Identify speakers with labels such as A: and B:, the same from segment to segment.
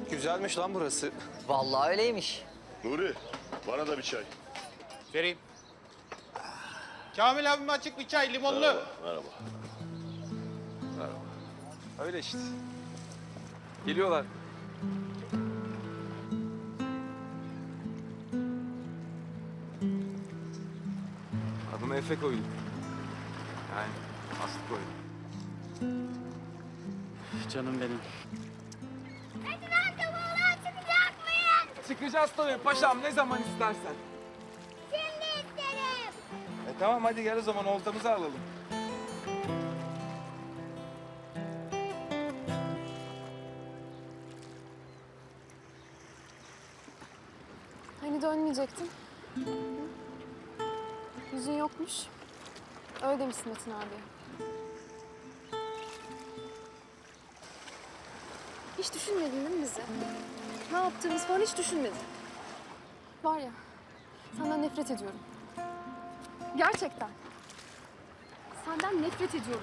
A: Güzelmiş lan burası.
B: Vallahi öyleymiş.
C: Nuri, bana da bir çay.
D: Vereyim. Kamil abime açık bir çay, limonlu.
C: Merhaba.
A: Öyle işte. Geliyorlar. Adını Efe koydum. Yani Aslı koydum.
E: Canım benim.
F: Çıkacak mıyız?
A: Çıkacağız tabii paşam ne zaman istersen.
F: Şimdi isterim.
A: Tamam hadi gel o zaman oltamızı alalım.
G: Hani dönmeyecektin? Hı? Yüzün yokmuş. Öyle demişsin Metin abi. Hiç düşünmedin değil mi bizi? Ne yaptığımız falan hiç düşünmedin. Var ya, senden nefret ediyorum. Gerçekten. Senden nefret ediyorum.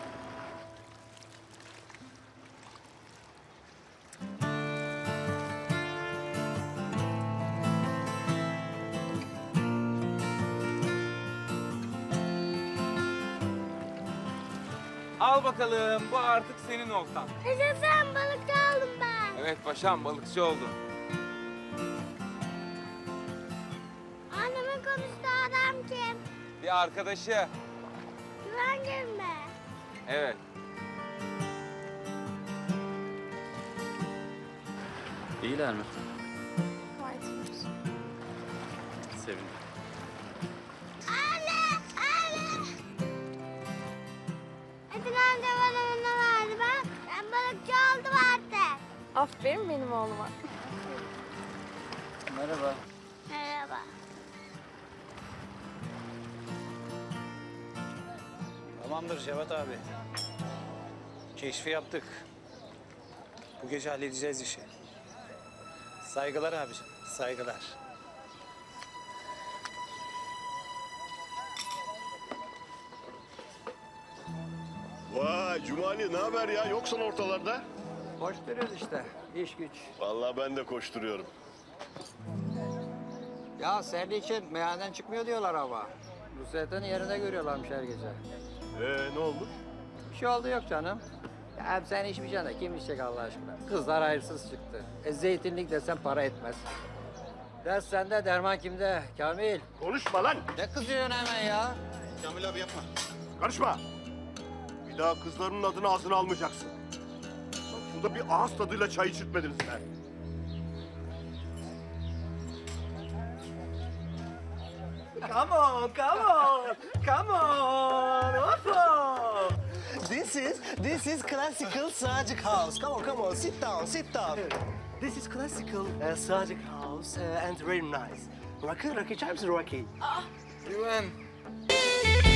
A: Al bakalım bu artık senin oltan.
F: Yaşasın, balıkçı oldum ben.
A: Evet paşam balıkçı oldun.
F: Annemin konuştuğu adam kim?
A: Bir arkadaşı.
F: Güvengir mi?
A: Evet.
E: İyiler mi?
G: Gayet iyiyiz.
E: Sevindim.
F: Metin amca bana bunu verdi bak. Ben balıkçı oldum artık.
G: Aferin benim oğluma.
E: Merhaba.
F: Merhaba.
D: Tamamdır Cevat abi. Keşfi yaptık. Bu gece halledeceğiz işi. Saygılar abicim, saygılar.
C: Vay Cumali, ne haber ya? Yoksan ortalarda.
B: Koşturuyoruz işte. İş güç.
C: Vallahi ben de koşturuyorum.
B: Ya senin için meyhaneden çıkmıyor diyorlar ama. Nusret'in yerine görüyorlarmış her gece.
C: Ne olmuş?
B: Bir şey oldu yok canım. Ya hem sen içmeyeceksin de kim içecek Allah aşkına? Kızlar hayırsız çıktı. Zeytinlik desen para etmez. Ders sende, derman kimde? Kamil.
C: Konuşma lan!
B: Ne kızıyorsun hemen ya?
D: Kamil abi yapma.
C: Karışma! Bir daha kızlarının adını ağzına almayacaksın. Bak şurada bir ağız tadıyla çay içirtmediniz sen.
H: Come on, come on, come on, Opo. This is classical Sadiq House. Come on, sit down. This is classical Sadiq House and very nice. Rocky, içer misin Rocky?
A: Güven.